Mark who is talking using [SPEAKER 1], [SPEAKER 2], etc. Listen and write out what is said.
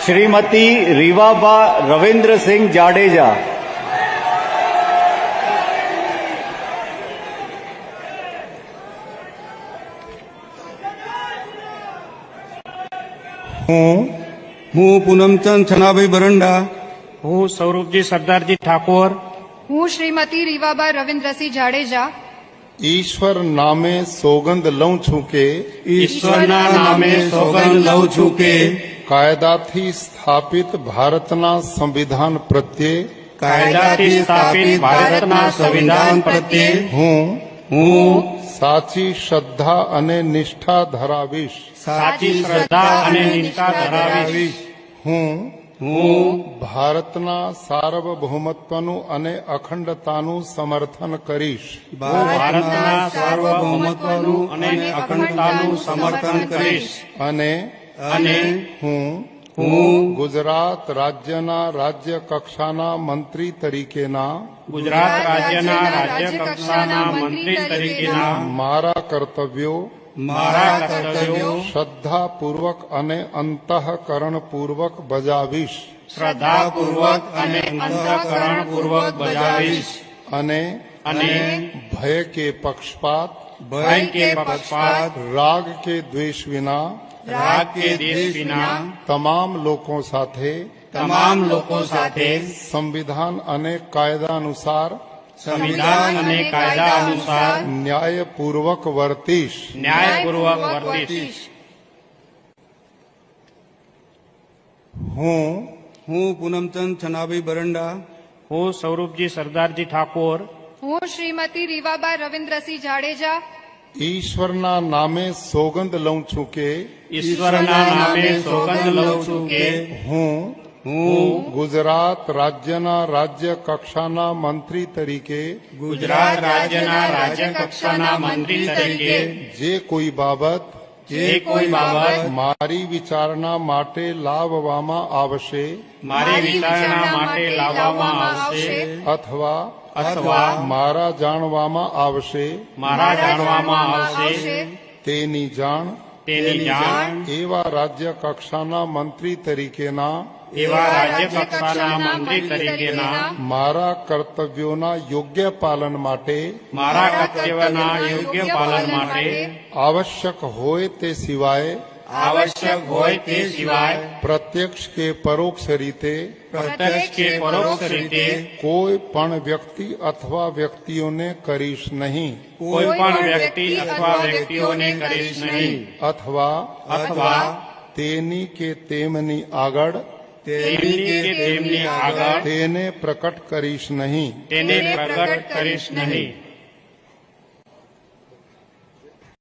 [SPEAKER 1] श्रीमती रीवाबा रविंद्र सिंह जाडेजा।
[SPEAKER 2] હું પૂનમચંદ છનાભાઈ બરંડા,
[SPEAKER 3] હું સૌરભજી સરદારજી ઠાકોર,
[SPEAKER 4] હું શ્રીમતી રીવાબા રવિન્દ્રસિંહ જાડેજા
[SPEAKER 5] ईश्वर नामे सोगंद लऊं छूं के
[SPEAKER 2] ઈશ્વરના નામે સોગંદ લઉં છું કે
[SPEAKER 5] કાયદાથી સ્થાપિત ભારતના સંવિધાન પ્રત્યે
[SPEAKER 3] કાયદાથી સ્થાપિત ભારતના સંવિધાન પ્રત્યે
[SPEAKER 2] હું
[SPEAKER 5] સાચી શ્રદ્ધા અને નિષ્ઠા ધરાવીશ।
[SPEAKER 3] સાચી શ્રદ્ધા અને નિષ્ઠા ધરાવીશ।
[SPEAKER 5] હું
[SPEAKER 2] હું
[SPEAKER 5] ભારતના સાર્વભૌમત્વનું અને અખંડતાનું સમર્થન કરીશ।
[SPEAKER 3] ભારતના સાર્વભૌમત્વનું અને અખંડતાનું સમર્થન કરીશ
[SPEAKER 5] અને હું ગુજરાત રાજ્યના રાજ્ય કક્ષાના મંત્રી તરીકેના
[SPEAKER 3] ગુજરાત રાજ્યના રાજ્ય કક્ષાના મંત્રી તરીકેના
[SPEAKER 5] મારા કર્તવ્યો શ્રદ્ધાપૂર્વક અને અંતઃકરણપૂર્વક બજાવીશ।
[SPEAKER 3] શ્રદ્ધાપૂર્વક અને અંતઃકરણપૂર્વક બજાવીશ
[SPEAKER 5] અને ભય કે પક્ષપાત રાગ કે દ્વેષ વિના તમામ લોકો સાથે સંવિધાન અને કાયદા અનુસાર ન્યાયપૂર્વક વર્તીશ।
[SPEAKER 2] હું પૂનમચંદ છનાભાઈ બરંડા,
[SPEAKER 3] હું સૌરભજી સરદારજી ઠાકોર,
[SPEAKER 4] હું શ્રીમતી રીવાબા રવિન્દ્રસિંહ જાડેજા
[SPEAKER 5] ઈશ્વરના નામે સોગંદ લઉં છું કે
[SPEAKER 3] ઈશ્વરના નામે સોગંદ લઉં છું કે
[SPEAKER 5] હું ગુજરાત રાજ્યના રાજ્ય કક્ષાના મંત્રી તરીકે
[SPEAKER 3] ગુજરાત રાજ્યના રાજ્ય કક્ષાના મંત્રી તરીકે
[SPEAKER 5] જે કોઈ બાબત મારી વિચારણા માટે લાવવામાં આવશે અથવા મારા જાણવામાં આવશે તેની જાણ એવા રાજ્ય કક્ષાના મંત્રી તરીકેના મારા કર્તવ્યોના યોગ્ય પાલન માટે આવશ્યક હોય તે સિવાય પ્રત્યક્ષ કે પરોક્ષ રીતે કોઈ પણ વ્યક્તિ અથવા વ્યક્તિઓને કરીશ નહીં અથવા તેની કે તેમની આગળ તેને પ્રકટ કરીશ નહીં।